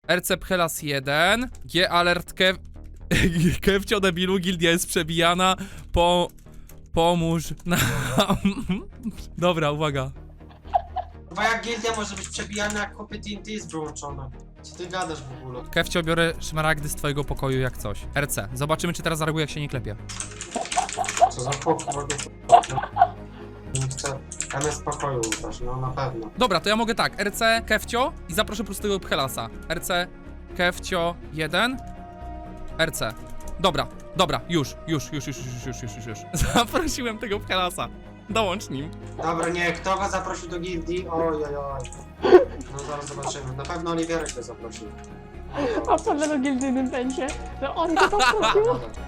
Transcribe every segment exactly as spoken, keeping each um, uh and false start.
R C Pchelas jeden. G alert Kev... Kevcio debilu, gildia jest przebijana. Po... Pomóż nam. Dobra, uwaga. Bo jak gildia może być przebijana, jak kopie T N T jest wyłączona. Co ty gadasz w ogóle? Kevcio, biorę szmaragdy z twojego pokoju jak coś. R C. Zobaczymy, czy teraz zareaguje, jak się nie klepie. Co za pokój? Nie chcę M S pokoju ubrać, no na pewno. Dobra, to ja mogę tak. R C, Kevcio i zaproszę prostego Pchelasa. R C, Kevcio jeden. R C. Dobra, dobra, już, już, już, już, już, już, już, już, już. Zaprosiłem tego Pchelasa. Dołącz nim. Dobra, nie, kto go zaprosił do gildii? Oj, oj, oj. No zaraz zobaczymy. Na pewno Oliwierek go zaprosił. A co do gildyjnym będzie? Że on go zaprosił?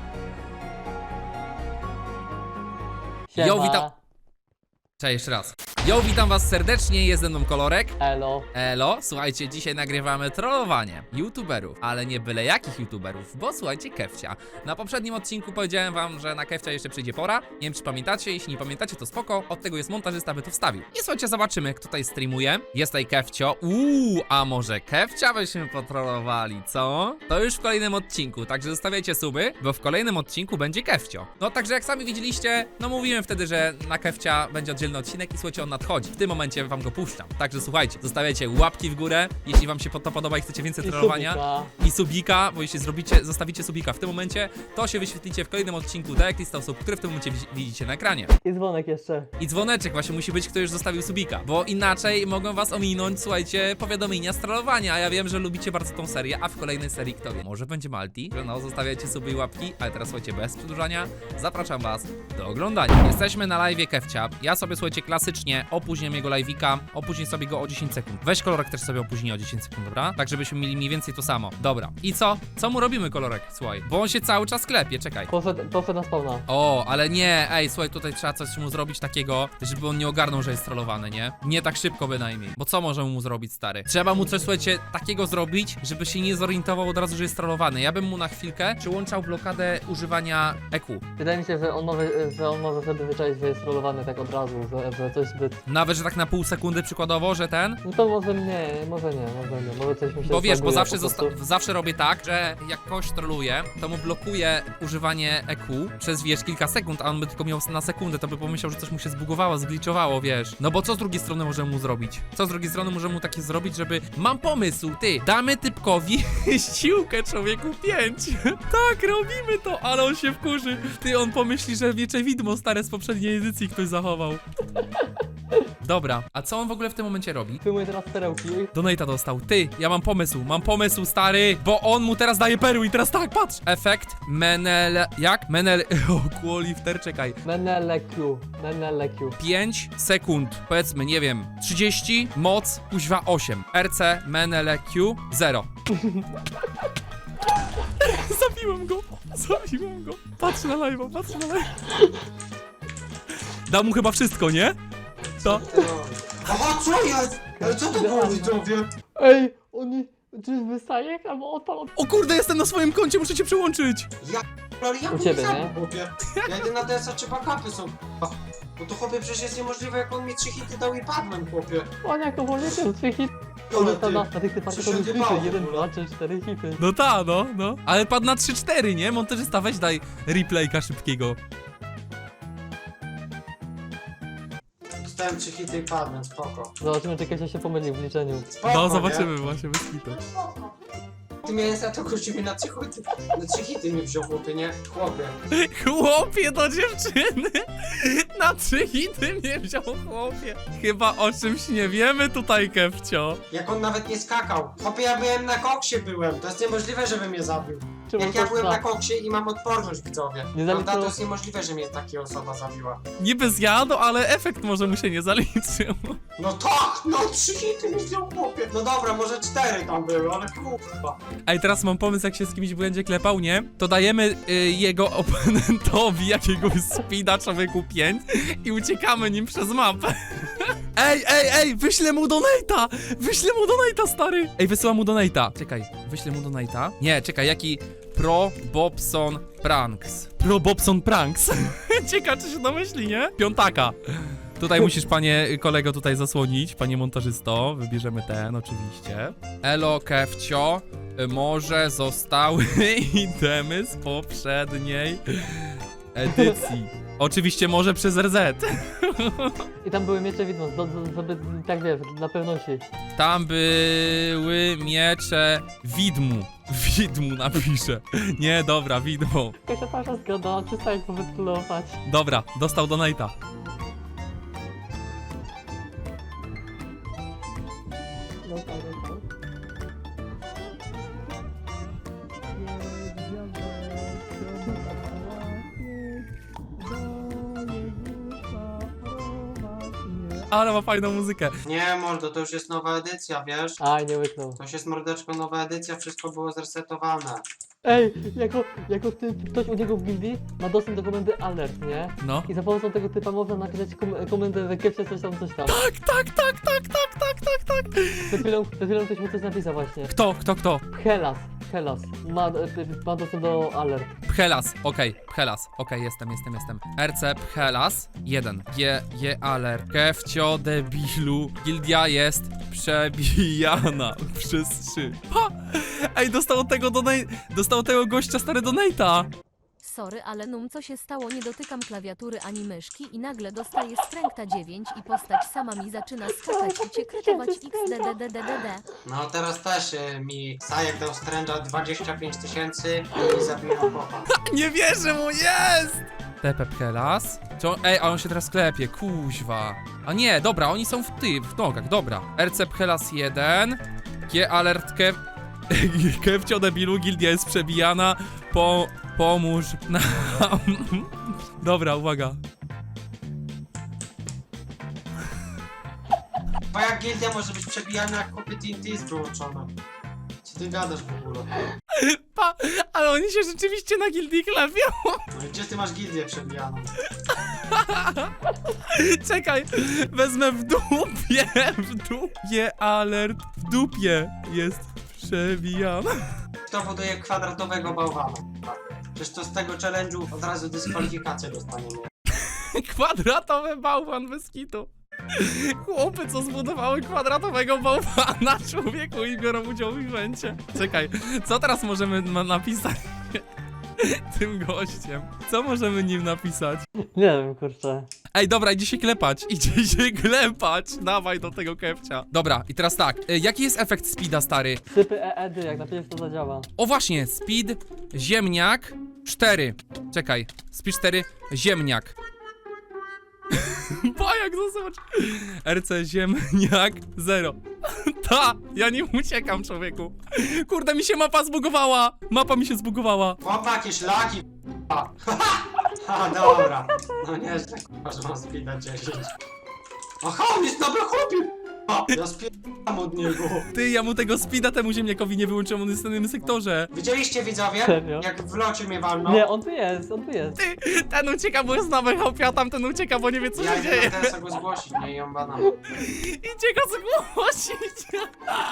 Jo, witam. Cześć, jeszcze raz. Jo, witam was serdecznie, jest ze mną Kolorek. Elo. Elo, słuchajcie, dzisiaj nagrywamy trollowanie youtuberów, ale nie byle jakich youtuberów, bo słuchajcie, Kevcia. Na poprzednim odcinku powiedziałem wam, że na Kevcia jeszcze przyjdzie pora. Nie wiem, czy pamiętacie, jeśli nie pamiętacie, to spoko. Od tego jest montażysta, by to wstawił. I słuchajcie, zobaczymy, kto tutaj streamuje. Jest tutaj Kevcio. Uuu, a może Kevcia byśmy potrollowali, co? To już w kolejnym odcinku, także zostawiajcie suby, bo w kolejnym odcinku będzie Kevcio. No, także jak sami widzieliście, no mówiłem wtedy, że na Kevcia będzie oddzielny odcinek i słuchajcie, on nadchodzi. W tym momencie wam go puszczam. Także słuchajcie, zostawiajcie łapki w górę, jeśli wam się to podoba i chcecie więcej I trollowania. subika. I subika, bo jeśli zrobicie, zostawicie subika w tym momencie, to się wyświetlicie w kolejnym odcinku, tak jak lista osób, które w tym momencie wi- widzicie na ekranie. I dzwonek jeszcze. I dzwoneczek właśnie musi być, kto już zostawił subika, bo inaczej mogą was ominąć, słuchajcie, powiadomienia z trollowania, a ja wiem, że lubicie bardzo tą serię, a w kolejnej serii kto wie, może będzie Malti, że no, zostawiacie suby i łapki, ale teraz słuchajcie, bez przedłużania, zapraszam was do oglądania. Jesteśmy na live'ie Kevcia, ja sobie, słuchajcie, klasycznie opóźniam jego live'ika, opóźnię sobie go o dziesięć sekund. Weź Kolorek też sobie opóźni o dziesięć sekund, dobra? Tak, żebyśmy mieli mniej więcej to samo. Dobra. I co? Co mu robimy, Kolorek? Słuchaj, bo on się cały czas klepie, czekaj. Poszedł, poszedł na spawna. O, ale nie, ej, słuchaj, tutaj trzeba coś mu zrobić takiego, żeby on nie ogarnął, że jest trollowany, nie? Nie tak szybko bynajmniej. Bo co możemy mu zrobić, stary? Trzeba mu coś, słuchajcie, takiego zrobić, żeby się nie zorientował od razu, że jest trollowany. Ja bym mu na chwilkę przyłączał blokadę używania E Q. Wydaje mi się, że on może, że on może sobie wyczaić, że jest rollowany tak od razu, że, że coś zbyt... Nawet, że tak na pół sekundy przykładowo, że ten. No to może nie, może nie, może nie, może coś mi się Bo wiesz, bo zbaguje zawsze, po prostu. zosta- zawsze robię tak, że jak kogoś trolluję, to mu blokuję używanie E Q przez, wiesz, kilka sekund, a on by tylko miał na sekundę, to by pomyślał, że coś mu się zbugowało, zgliczowało, wiesz. No bo co z drugiej strony możemy mu zrobić? Co z drugiej strony możemy mu takie zrobić, żeby... Mam pomysł, ty! Damy typkowi siłkę, człowieku, pięć! Tak, robimy to, ale on się wkurzy. Ty, on pomyśli, że wiecze widmo stare z poprzedniej edycji ktoś zachował. Dobra, a co on w ogóle w tym momencie robi? Filmuję teraz perełki. Donate'a dostał. Ty, ja mam pomysł, mam pomysł, stary, bo on mu teraz daje perły i teraz tak, patrz! Efekt Menel... jak? Menel... O, Qualifter, czekaj. Menele Q. Menele Q. pięć sekund, powiedzmy, nie wiem, trzydzieści, moc, kuźwa osiem. R C Menele Q zero. Zabiłem go, zabiłem go. Patrz na live'a, patrz na live'a. Dał mu chyba wszystko, nie? To... Aha, co jest? Ale co to było, widzowie? Ej, oni... Czyżby Sajek albo odpal... O kurde, jestem na swoim koncie, muszę cię przyłączyć. Ja... Ale jak U on ciebie, zabił, nie? chłopie? Ja idę na D S a, czy backupy są. Bo to chłopie przecież jest niemożliwe, jak on mi trzy hity dał i padłem, chłopie. On jako wolny ten trzy hit. Ale Na, ty, na, na tych typach co to się były odjebało hity. w jeden, ogóle? dwa, trzy, cztery hity. No ta, no, no. Ale padł na trzy cztery, nie? Montażysta, weź daj replayka szybkiego. Dostałem trzy hity i padłem, spoko. Zobaczymy, czy Kasia się pomyli w liczeniu. Spoko, No, nie? zobaczymy właśnie, bez kitu. Ty miałem za to gościu na trzy hity, na trzy hity nie wziął, chłopie, nie? Chłopie. Chłopie do dziewczyny! Na trzy hity mnie wziął chłopie. Chyba o czymś nie wiemy tutaj, Kevcio. Jak on nawet nie skakał. Chłopie, ja byłem na koksie byłem. To jest niemożliwe, żeby mnie zabił. Czemu Jak to ja byłem za- na koksie i mam odporność, widzowie. Nie Prawda? zaliczyło- To jest niemożliwe, że mnie taka osoba zabiła. Niby zjadł, ale efekt może mu się nie zaliczył. No tak, no trzy hity mi wziął, chłopie. No dobra, może cztery tam były, ale kurwa. Ej, teraz mam pomysł, jak się z kimś będzie klepał, nie? To dajemy y, jego oponentowi jakiegoś speeda, człowieku pięć i uciekamy nim przez mapę. Ej, ej, ej, wyślę mu donate'a! Wyślę mu donate'a, stary! Ej, wysyłam mu donate'a. Czekaj, wyślę mu donate'a. Nie, czekaj, jaki... Pro Bobson Pranks. Pro Bobson Pranks. Ciekawe, czy się domyśli, nie? Piątaka. Tutaj musisz, panie kolego, tutaj zasłonić, panie montażysto. Wybierzemy ten, oczywiście. Elo, Kefcio, może zostały itemy z poprzedniej edycji. Oczywiście może przez R Z. I tam były miecze widmo, do, do, żeby, tak wiesz, dla pewności. Tam były miecze widmu. Widmu napiszę. Nie, dobra, widmo. Jakaś pasza zgoda, przestań to wytlować. Dobra, dostał donate'a. No tak, no tak. Ale ma fajną muzykę. Nie, mordo, to już jest nowa edycja, wiesz? Aj, nie łyknął. To już jest mordeczko nowa edycja, wszystko było zresetowane. Ej, jako, jako ty, ktoś u niego w gildii ma dostęp do komendy alert, nie? No. I za pomocą tego typa można napisać kom komendę w ekipie coś tam, coś tam. Tak, tak, tak, tak, tak, tak, tak, tak. Przed chwilą, przed chwilą ktoś mu coś napisał właśnie. Kto, kto, kto? Helas, Helas, ma, e, ma dostęp do alert. Pchelas, okej, Pchelas, okej, jestem, jestem, jestem. R C Pchelas, jeden. G, G alert. Kefcio debilu. Gildia jest przebijana przez trzy. Ha! Ej, dostał od tego donate, dostał od tego gościa stary donate'a. Sorry, ale num co się stało, nie dotykam klawiatury ani myszki i nagle dostaję stręgta dziewięć i postać sama mi zaczyna skakać i cię krytować xdddddd. No teraz też y, mi Sajek dał stręża dwadzieścia pięć tysięcy i zabiłem chłopa. Nie wierzę mu, jest! T P Pchelas. Co? Ej, a on się teraz klepie, kuźwa. A nie, dobra, oni są w ty, w nogach, dobra. R C Pchelas jeden. G alert Kev... Kefcio debilu, gildia jest przebijana. Po... Pomóż nam. Dobra, uwaga. Bo jak gildia może być przebijana, jak kopie T N T jest wyłączone. Co ty gadasz w ogóle? Pa, ale oni się rzeczywiście na gildii klepią. No i gdzie ty masz gildię przebijaną? Czekaj, wezmę w dupie, w dupie alert. W dupie jest przebijana. Kto buduje kwadratowego bałwana? Tak. Przecież to z tego challenge'u od razu dyskwalifikację dostaniemy. Kwadratowy bałwan bez kitu. Chłopy, co zbudowały kwadratowego bałwana, człowieku, i biorą udział w evencie. Czekaj, co teraz możemy ma- napisać tym gościem? Co możemy nim napisać? Nie wiem, kurczę. Ej, dobra, idzie się klepać, idzie się klepać. Dawaj do tego kepcia. Dobra, i teraz tak, y, jaki jest efekt speeda, stary? Sypy E E D, jak napiszesz to zadziała. O właśnie, speed, ziemniak, cztery. Czekaj, speed cztery, ziemniak. Bajak, zobacz. R C ziemniak, zero. Ta, ja nim uciekam, człowieku. Kurde, mi się mapa zbugowała. Mapa mi się zbugowała. Chłopak, jakieś laki, k***a. Ha, dobra. No nieźle, k***a, że mam speeda dziesięć. Aha, on jest dobry chłopie, k***a. Ja spierdam od niego. Ty, ja mu tego speeda temu ziemniakowi nie wyłączyłem, on jest w innym sektorze. Widzieliście, widzowie? Serio? Jak w locie mnie walnął? Nie, on tu jest, on tu jest. Ty, ten ucieka, bo jest nowy hopie, a tamten ucieka, bo nie wie, co Ja się idę dzieje. na teraz go zgłosić, nie ją banam. Idzie go zgłosić.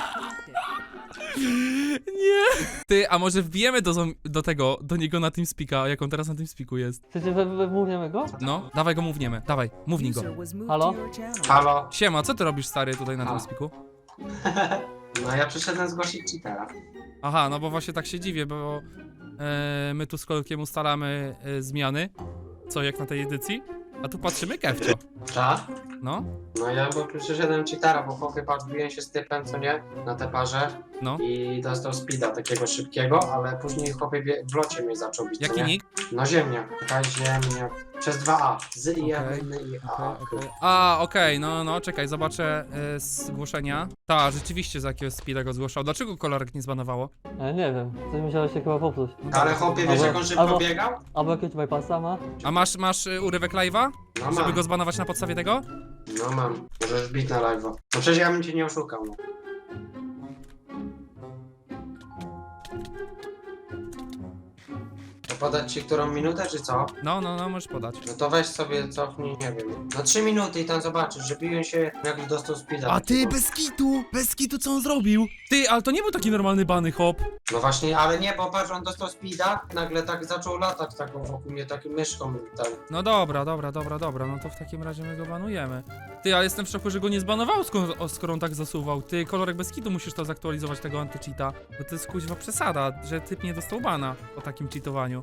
Nie. Ty, a może wbijemy do, zom- do tego, do niego na TeamSpeaka, jak on teraz na TeamSpeaku jest. Chcecie, we- we- wmówniemy go? No, dawaj go mówniemy, dawaj, mównij go. Halo? Halo? Siema, co ty robisz, stary, tutaj na A. TeamSpeaku? No ja przyszedłem zgłosić cheatera. Aha, no bo właśnie tak się dziwię, bo e, my tu z kolkiem ustalamy e, zmiany, co jak na tej edycji, a tu patrzymy kefcio. Tak? No, No ja bo przyszedłem cheatera, bo chłopie patrz, biłem się z typem, co nie? Na te parze. no. I dostał speeda takiego szybkiego, ale później chłopie wie- w locie mnie zaczął bić, co Jaki nie? nick? No ziemniak, taka ziemniak. Przez dwa A. Z i Okej, N i A. Okej, okej. A, okej, no, no, czekaj, zobaczę e, zgłoszenia. Ta, rzeczywiście za jakiegoś speeda go zgłaszał. Dlaczego kolorek nie zbanowało? E, nie wiem, coś musiało się chyba popsuć. Ale chłopie, wiesz Albo- jak on szybko albo- biegał? Albo jakiegoś bypassa ma? A masz, masz y, urywek live'a? No Żeby mam, go zbanować na podstawie tego? no mam. Możesz bić na live'a. No przecież ja bym cię nie oszukał, no. podać ci którą minutę, czy co? No, no, no, możesz podać. No to weź sobie cofnij, nie wiem, na trzy minuty i tam zobaczysz, że biłem się jak dostał speeda. A ty, takiego. bez kitu, bez kitu, co on zrobił? Ty, ale to nie był taki normalny bany hop. No właśnie, ale nie, bo patrz, on dostał speeda, nagle tak zaczął latać taką wokół mnie, takim myszką i tak. No dobra, dobra, dobra, dobra, no to w takim razie my go banujemy. Ty, ale jestem w szoku, że go nie zbanował, skoro, o, skoro on tak zasuwał. Ty, kolorek bez kitu musisz to zaktualizować, tego anty-cheata. Bo to jest kuźwa przesada, że typ nie dostał bana po takim cheatowaniu.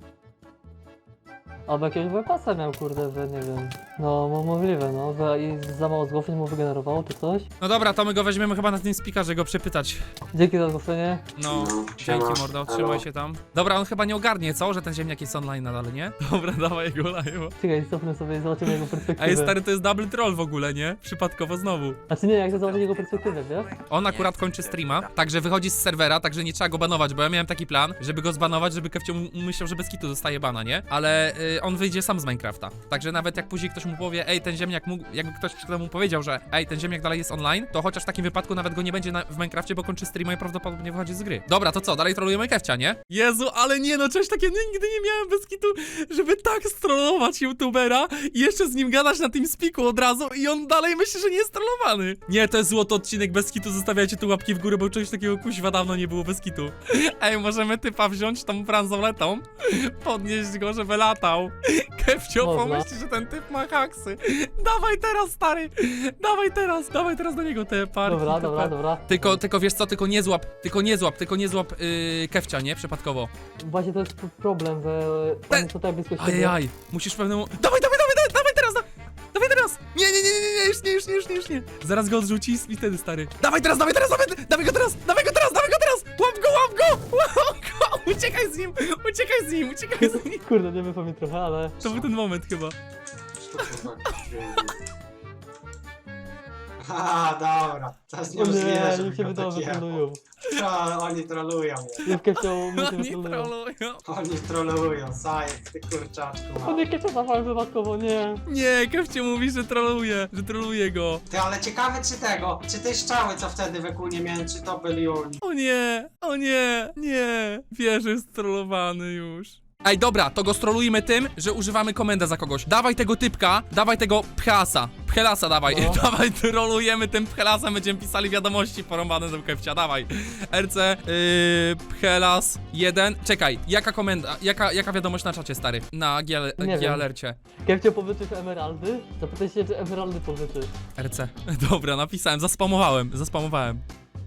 Albo jakiegoś bypassa miał, kurde, że nie wiem. No, mo- możliwe, no, że i za mało zgłoszeń mu wygenerowało, czy coś. No dobra, to my go weźmiemy chyba na tym speaker, żeby go przepytać. Dzięki za zgłoszenie. No, siema. dzięki mordo, trzymaj Halo. się tam. Dobra, on chyba nie ogarnie, co? Że ten ziemniak jest online nadal, nie? Dobra, dawaj go live. Czekaj, cofnę sobie i zobaczymy jego perspektywę. Ej, stary, to jest double troll w ogóle, nie? Przypadkowo znowu. Znaczy nie, jak chcę zobaczyć jego perspektywę, wiesz? On akurat kończy streama, także wychodzi z serwera, także nie trzeba go banować, bo ja miałem taki plan, żeby go zbanować, żeby Kefcio m- myślał, że bez kitu dostaje bana, nie? Ale y, on wyjdzie sam z Minecrafta. Także nawet jak później ktoś mu powie, ej, ten ziemniak mógł, jakby ktoś przed chwilą mu powiedział, że ej, ten ziemniak dalej jest online, to chociaż w takim wypadku nawet go nie będzie na, w Minecrafcie, bo kończy streama i prawdopodobnie wychodzi z gry. Dobra, to co, dalej trolujemy Kefcia, nie? Jezu, ale nie no, czegoś takiego nigdy nie miałem bez kitu, żeby tak strollować youtubera i jeszcze z nim gadać na tym spiku od razu i on dalej myśli, że nie jest trollowany. Nie, to jest złoty odcinek bez kitu, zostawiajcie tu łapki w górę, bo czegoś takiego kuźwa dawno nie było bez kitu. Ej, możemy typa wziąć tą bransoletą, podnieść go, żeby latał. Kefcio Można. pomyśli, że ten typ ma haksy. Dawaj teraz, stary, dawaj teraz, dawaj teraz do niego te parki. Dobra, te dobra, par- dobra. Tylko, tylko wiesz co, tylko nie złap, tylko nie złap, tylko nie złap yy, Kefcia, nie? Przypadkowo. Właśnie to jest p- problem, że Te- on jest tutaj blisko siebie. Ajajaj, musisz pewnemu... Dawaj, dawaj, dawaj, dawaj, dawaj teraz, da... dawaj teraz! Nie, nie, nie, nie, nie, już nie, już nie, już nie, już nie. Zaraz go odrzuci i wtedy, stary. Dawaj teraz, dawaj teraz, dawaj, dawaj go teraz, dawaj go teraz, dawaj go teraz! Łap go, łap go, łap go! Uciekaj z nim, uciekaj z nim, uciekaj z nim. Kurde, nie wyszło mi trochę, ale... To był ten moment chyba. Haha, dobra, to jest O nie, niemożliwe, żeby niech się go wydało, tak że jebał. trollują. A, oni trolują mnie. Jewkę chciał, my się Oni wytrollują. trollują. Oni trolują, zajec, ty kurczaczku. O mały. nie, Kefcia zawałem wypadkowo, nie. Nie, Kefcie mówi, że troluje, że troluje go. Ty, ale ciekawe czy tego, czy te strzały, co wtedy we kół nie miałem, czy to byli oni. O nie, o nie, nie. Wie, że jest trollowany już. Ej, dobra, to go strolujmy tym, że używamy komendę za kogoś. Dawaj tego typka, dawaj tego pchelasa. Pchelasa dawaj, No. dawaj, trolujemy tym pchelasem, będziemy pisali wiadomości porąbane do Kefcia, dawaj. R C, yy, pchelas jeden. Czekaj, jaka komenda, jaka, jaka wiadomość na czacie, stary? Na Nie wiem. G-alercie. Kefcia powyczysz emeraldy? Zapytaj się, czy emeraldy powyczy. R C. Dobra, napisałem, zaspamowałem, zaspamowałem.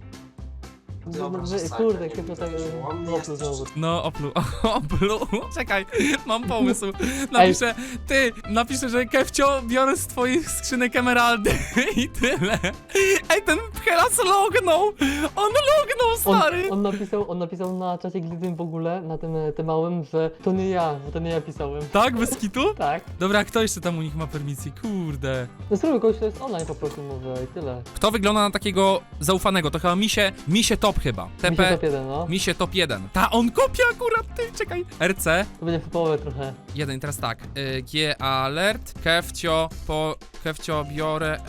Dobra, No, że że- sakra, Kurde, nie Kefcia tak... widać, bo on nie opluł jest znowu. No, oplu, oplu, czekaj, mam pomysł. Napiszę, ty, napiszę, że Kefcio, biorę z twoich skrzynek emeraldy i tyle. Ej, ten pchelas lognął, on lognął, On, stary. on, napisał, on napisał na czacie Glidym w ogóle, na tym, tym małym, że to nie ja, że to nie ja pisałem. Tak, bez kitu? Tak. Dobra, kto jeszcze tam u nich ma permisji? Kurde. No spróbuj kogoś, kto jest online po prostu może i tyle. Kto wygląda na takiego zaufanego? To chyba misie, misie top chyba. Mi się T P, top jeden, no. misie top jeden. Ta, on kopia akurat, ty, czekaj. R C, To będzie w połowę trochę. jeden, teraz tak. Y, G alert, Kefcio, po, Kefcio, biorę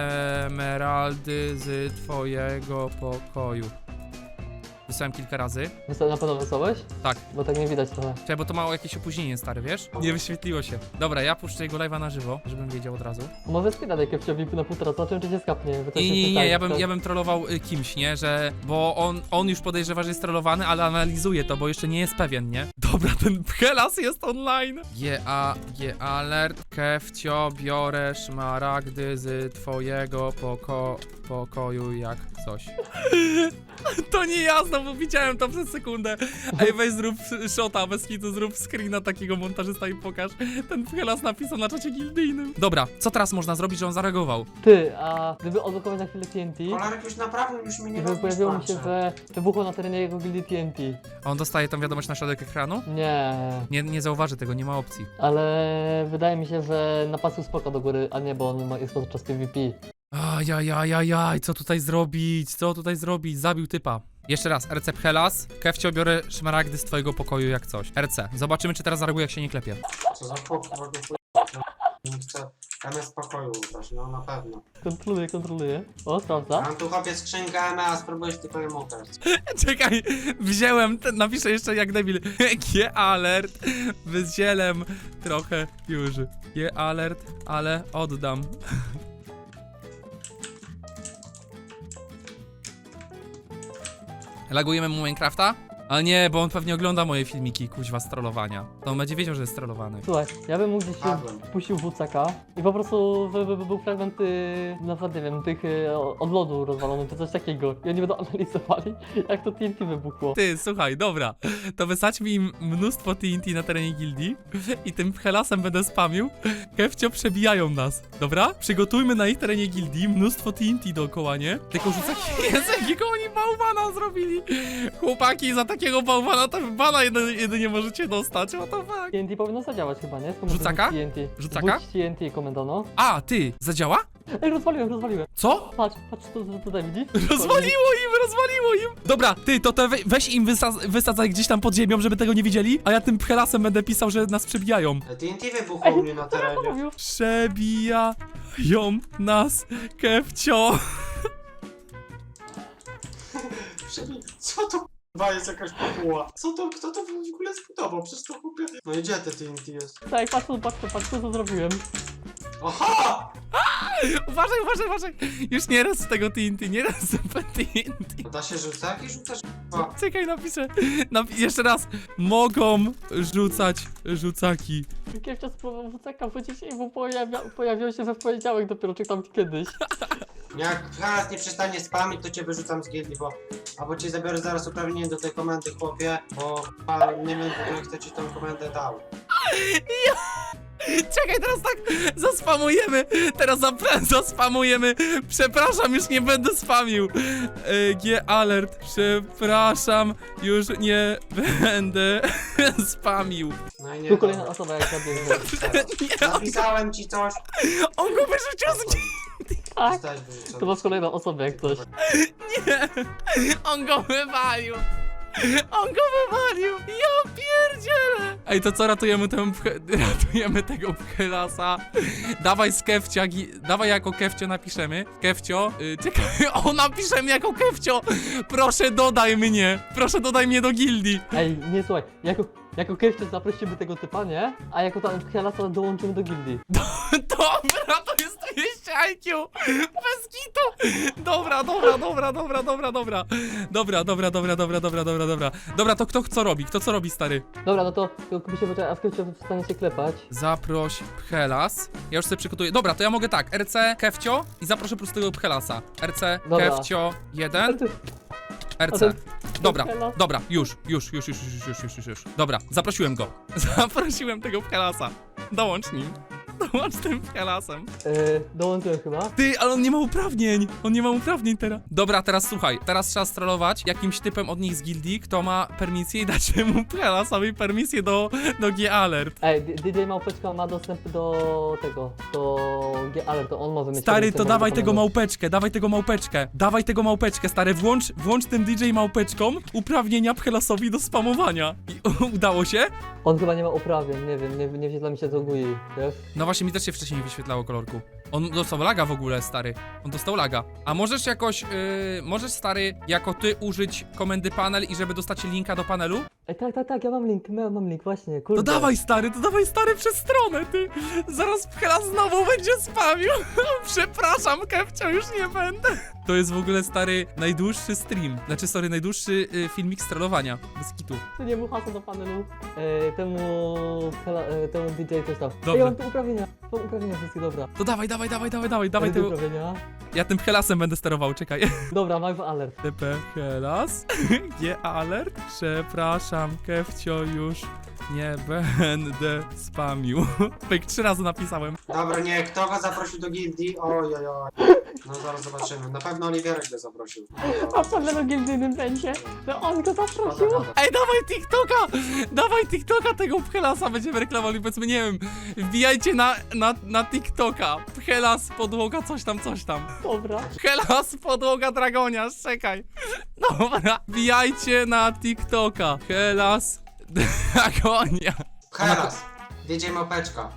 emeraldy z twojego pokoju. Wysłałem kilka razy. Wysa- na pewno wysłałeś? Tak. Bo tak nie widać trochę. Czekaj, bo to mało jakieś opóźnienie, stary, wiesz? Nie wyświetliło się. Dobra, ja puszczę jego live'a na żywo, żebym wiedział od razu. Może spina daj Kefciowi na półtora, zobaczymy czy się skapnie. bo to Nie, się nie, nie, pytanie, ja bym, to- ja bym trollował y, kimś, nie? Że, bo on, on już podejrzewa, że jest trollowany, ale analizuje to, bo jeszcze nie jest pewien, nie? Dobra, ten Pchelas jest online. G A, G alert, Kefcio, biorę szmaragdy z twojego poko, pokoju jak coś. To nie ja, znowu widziałem to przez sekundę. Ej, weź zrób shota, bez kitu, zrób screena takiego montażysta i pokaż. Ten Pchelas napisał na czacie gildyjnym. Dobra, co teraz można zrobić, że on zareagował? Ty, a gdyby odblokować na chwilę T N T, Kolarek już naprawdę już mi nie gdyby pojawiło mi się, że wybuchło na terenie jego gildii T N T. A on dostaje tą wiadomość na środek ekranu? Nie, Nie, nie zauważy tego, nie ma opcji. ale wydaje mi się, że napasł spoko do góry, a nie, bo on ma- jest podczas P V P. Ajajajajaj, co tutaj zrobić? Co tutaj zrobić? Zabił typa. Jeszcze raz, R C Pchelas. Kefcio, biorę szmaragdy z twojego pokoju jak coś. R C, zobaczymy czy teraz zareaguje jak się nie klepie. Co za chłop, Nie chcę M S pokoju ubrać, no na pewno. Kontroluję, kontroluję. O, sprawdza. Mam tu chłopie skrzynkę M A, spróbujesz tylko ją ukraść. Czekaj, wziąłem, ten, napiszę jeszcze jak debil. G-alert, wyzielem trochę już. G-alert, ale oddam. Lagujemy mu Minecrafta? Ale nie, bo on pewnie ogląda moje filmiki, kuźwa, z trollowania. To on będzie wiedział, że jest trollowany. Słuchaj, ja bym mógł gdzieś się Padłem. puścił w C K i po prostu by, by, by był fragment, y, na przykład, nie wiem, tych y, od lodu rozwalony, czy coś takiego. I oni będą analizowali, jak to T N T wybuchło. Ty, słuchaj, dobra, to wysadźmy im mnóstwo T N T na terenie gildii i tym helasem będę spamił. Kefcio, przebijają nas, dobra? Przygotujmy na ich terenie gildii mnóstwo T N T dookoła, nie? Tylko rzucaki, Jezu, jakiego oni bałwana zrobili. Chłopaki, za takiego bałwana to bana jedynie, jedynie możecie dostać, what the fuck? T N T powinno zadziałać chyba, nie? Skąd Rzucaka? T N T? Rzucaka? Rzuć T N T, komendano. A, ty, zadziała? Ej, rozwaliłem, rozwaliłem. Co? Patrz, patrz, tu, tu, tutaj widzisz? Rozwaliło im, rozwaliło im! Dobra, ty, to te we, weź im wysa wysadzaj gdzieś tam pod ziemią, żeby tego nie widzieli, a ja tym helasem będę pisał, że nas przebijają. T N T wybuchło u mnie na Co ja terenie. mówił? Przebijają nas, Kefcio. Przebij- Co to k***a jest jakaś popuła? Co to, kto to w ogóle zbudował? Przecież to chłopie... No i gdzie te T N T jest? Tak, patrz, tu, patrz, tu, patrz, tu, co zrobiłem. Aha! Uważaj, uważaj, uważaj. Już nie raz z tego T N T, nie raz z T N T. Da się rzucać i rzucasz k***a. Czekaj, napiszę. Napi jeszcze raz. Mogą rzucać rzucaki. Kiewcia spróbował w C K wrócić i mu pojawia, pojawił się we w poniedziałek dopiero, czy tam kiedyś. Jak teraz nie przestanie spamić, to cię wyrzucam z gildii, bo... Albo ci zabiorę zaraz uprawnienie do tej komendy, chłopie, bo k***a, nie wiem w ogóle kto ci tą komendę dał. Czekaj, teraz tak zaspamujemy. Teraz zapra- zaspamujemy. Przepraszam, już nie będę spamił. E, G-alert. Przepraszam, już nie będę spamił. No i nie Tu kolejna dobra. osoba, jak zabiegł. Nie, Napisałem ci coś. on go wyrzucił z Tak, Zostałeś wyrzucony. to masz kolejną osobę, jak coś. Nie, on go wywalił. On go wywalił. Ja pierdzielę. Ej, to co, ratujemy tę pche- ratujemy tego pchelasa. Dawaj z Kefcia, gi- dawaj jako Kefcio napiszemy. Kefcio, yy, czekaj, o, napiszemy jako Kefcio. Proszę dodaj mnie, proszę dodaj mnie do gildii. Ej, nie słuchaj, jako, jako Kiewcia zaprosimy tego typa, nie? A jako tam Helasa dołączymy do gildii. Dobra, to jest dwieście I Q. Bez kitu. Dobra, dobra, dobra, dobra, dobra, dobra. Dobra, dobra, dobra, dobra, dobra, dobra, dobra. Dobra, to kto co robi? Kto co robi, stary? Dobra, no to tylko mi się poczekaj, a w Kiewcia w stanie się klepać. Zaproś Pchelas. Ja już sobie przygotuję. Dobra, to ja mogę tak. R C Kefcio i zaproszę po prostu tego Pchelasa. R C Dobra. Kefcio A jeden. ty, R a C. ten- Dobra, Pchelas? dobra, już, już, już, już, już, już, już, już, już. Dobra, zaprosiłem go. Zaprosiłem tego Pchelasa. Dołącz nim. Dołącz tym Pchelasem. Yy, dołączyłem chyba. Ty, ale on nie ma uprawnień. On nie ma uprawnień teraz. Dobra, teraz słuchaj. Teraz trzeba strollować jakimś typem od nich z gildii, kto ma permisję i dać mu Pchelasowi permisję do, do G-alert. Ej, D- DJ Małpeczka ma dostęp do tego, do G-Alert, to on może mieć... Stary, permisję to do dawaj tego tego małpeczkę, dawaj tego małpeczkę. Dawaj tego małpeczkę, stary. Włącz, włącz tym D J małpeczką uprawnienia Pchelasowi do spamowania. I udało się? On chyba nie ma uprawnień, nie wiem, nie, nie wyświetla mi się do G U I, wiesz? No właśnie, mi też się wcześniej nie wyświetlało kolorku. On dostał laga w ogóle, stary. On dostał laga. A możesz jakoś, yy, możesz, stary, jako ty użyć komendy panel i żeby dostać linka do panelu? Ej, tak, tak, tak, ja mam link, ja mam link, właśnie, kurde. To dawaj, stary, to dawaj, stary, przez stronę, ty. Zaraz Pchelas znowu będzie spamił. Przepraszam, Kefcio, już nie będę. To jest w ogóle, stary, najdłuższy stream. Znaczy, sorry, najdłuższy y, filmik strollowania. Bez kitu. Tu nie mu hasło do panelu, e, temu, hela, e, temu D J coś tam. Dobrze. Ej, ja mam tu uprawnienia, mam uprawnienia wszystkie, dobra. To dawaj, dawaj, dawaj, dawaj, dawaj, dawaj Ej, te tego. uprawnienia. Ja tym Pchelasem będę sterował, czekaj. Dobra, mam alert. T P Pchelas. G alert. Przepraszam, Kefcio, już nie będę spamił. Pyk, trzy razy napisałem. Dobra, nie, kto go zaprosił do gildii? Oj, oj, oj. No zaraz zobaczymy. Na pewno Oliwierek go zaprosił. A co na gildijnym będzie? To on go zaprosił? Ej, dawaj TikToka! Dawaj TikToka tego Pchelasa, będziemy reklamowali, powiedzmy, nie wiem, wbijajcie na, na, na TikToka. Pchelas, podłoga, coś tam, coś tam. Dobra. Pchelas, podłoga, dragonia, czekaj. Dobra, wbijajcie na TikToka. Pchelas, dragonia. Heras, D J Małpeczka.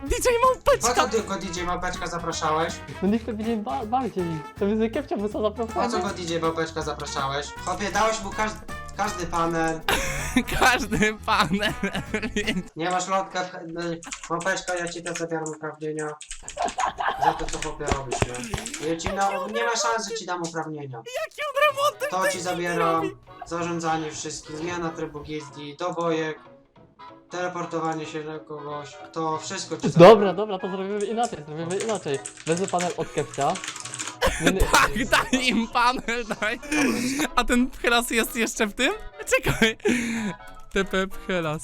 D J Po Małpeczka! co tylko D J Małpeczka zapraszałeś? No niech to będzie ba bardziej. To jest Kefcia wysłał Po co zaproszenie. go D J Małpeczka zapraszałeś? Chłopie, dałeś mu każdy, każdy panel. Każdy panel. Nie masz lotka, w- no, Małpeczka, ja ci te zabieram uprawnienia. Za to, co chłopie robisz, nie? Ja ci na, nie ma szans, że ci dam uprawnienia. Jakie on remonty To ci zabieram, zarządzanie wszystkim, zmiana trybu gildii, dobojek, teleportowanie się na kogoś, to wszystko ci zabieram. Dobra, dobra, to zrobimy inaczej, zrobimy inaczej. Wezmę panel od Kefcia. Nie, nie, Tak, daj im panel, daj. A ten Pchelas jest jeszcze w tym? Czekaj. T P Pchelas.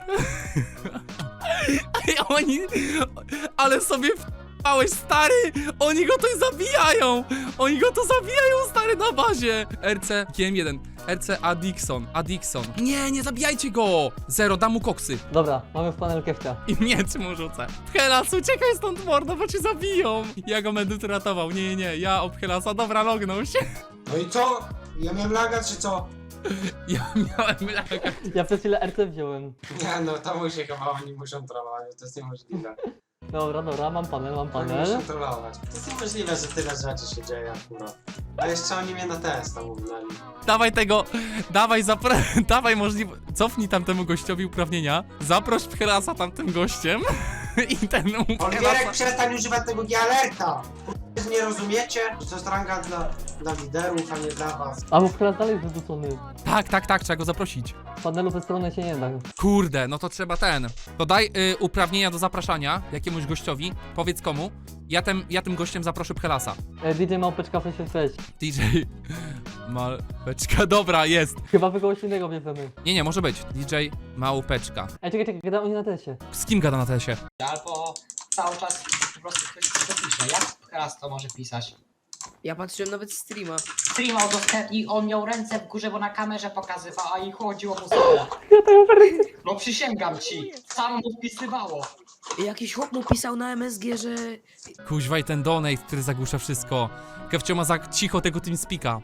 Ej, oni... Ale sobie wpałeś, stary! Oni go tutaj zabijają! Oni go to zabijają, stary, na bazie! R C G M jeden. R C Adixon. Adixon. Nie, nie zabijajcie go! Zero, dam mu koksy. Dobra, mamy w panel Kefcia. I miecz mu rzucę. Pchelas, uciekaj stąd, mordo, bo cię zabiją! Ja go będę tu ratował. Nie, nie, nie, ja ob Pchelasa. Dobra, lognął się. No i co? Ja miałem laga, czy co? Ja miałem laga. Ja przez chwilę R C wziąłem. Nie no, to musi chyba oni muszą trollować, to jest niemożliwe. Dobra, dobra, mam panel, mam Oni panel. muszą trollować. To jest niemożliwe, że tyle rzeczy się dzieje akurat. A jeszcze oni mnie na test tam uznali. Dawaj tego, dawaj, zapra... dawaj możliwe... Cofnij tamtemu gościowi uprawnienia, zaproś Pchelasa tamtym gościem i ten Olgierek, przestań używać tego G-alerta! Nie rozumiecie? Że to jest ranga dla, dla liderów, a nie dla was. A bo teraz dalej jest wyrzucony. Tak, tak, tak, trzeba go zaprosić. Panelu ze strony się nie da. Kurde, no to trzeba ten. To daj y, uprawnienia do zapraszania jakiemuś gościowi, powiedz komu. Ja tym, ja tym gościem zaproszę Pchelasa. E, D J Małpeczka face to face. D J... Małpeczka, dobra, jest. Chyba wy kogoś innego bierzemy. Nie, nie, może być. D J Małpeczka. Ej, czekaj, czekaj, gada oni na tesie. Z kim gada na tesie? Albo cały czas po prostu ktoś to pisze. Jak teraz to może pisać? Ja patrzyłem nawet streama. Streama udostępnił, on miał ręce w górze, bo na kamerze pokazywał, a i chodziło mu sobie. No przysięgam ci, samo mu wpisywało. Jakiś chłop mu pisał na M S G, że... Kuźwa i ten donate, który zagłusza wszystko. Kefcio ma za cicho tego TeamSpeaka.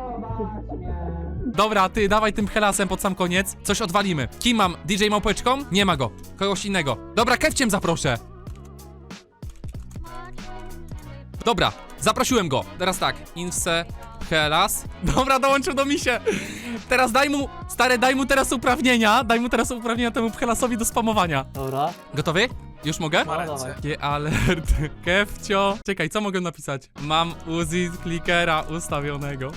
Dobra, ty dawaj tym Pchelasem pod sam koniec. Coś odwalimy. Kim mam? D J Małpeczką? Nie ma go. Kogoś innego. Dobra, Kefciem zaproszę. Dobra, zaprosiłem go. Teraz tak. Inse, Pchelas. Dobra, dołączył do misie. Teraz daj mu, stary, daj mu teraz uprawnienia. Daj mu teraz uprawnienia temu Pchelasowi do spamowania. Dobra. Gotowy? Już mogę? No, dawaj. G alert, Kefcio. Czekaj, co mogę napisać? Mam Uzi clickera ustawionego.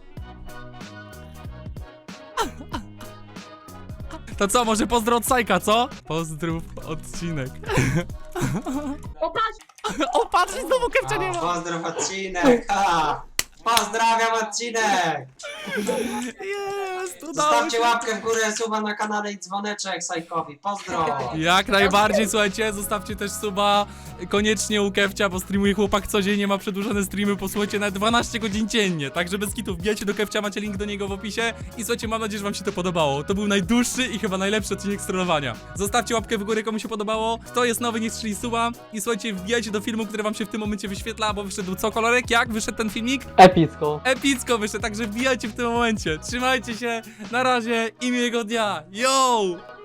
To co, może pozdro od Sajka, co? Pozdrów odcinek. O patrz! O, patrz, i znowu Kefcia nie O, ma. pozdrow odcinek! Ha! Pozdrawiam odcinek! Jest, udało Zostawcie się. łapkę w górę, suba na kanale i dzwoneczek Sajkowi. Pozdro! Jak najbardziej, słuchajcie, zostawcie też suba koniecznie u Kefcia, bo streamuje chłopak codziennie, ma przedłużone streamy, posłuchajcie, na dwanaście godzin dziennie, także bez kitów, wbijajcie do Kefcia, macie link do niego w opisie i słuchajcie, mam nadzieję, że wam się to podobało. To był najdłuższy i chyba najlepszy odcinek strollowania. Zostawcie łapkę w górę, komu się podobało, kto jest nowy, niech strzeli suba i słuchajcie, wbijajcie do filmu, który wam się w tym momencie wyświetla, bo wyszedł co, kolorek? Jak wyszedł ten filmik? Epicko. Epicko wyszedł, także wbijajcie w tym momencie. Trzymajcie się, na razie i miłego dnia. Yo!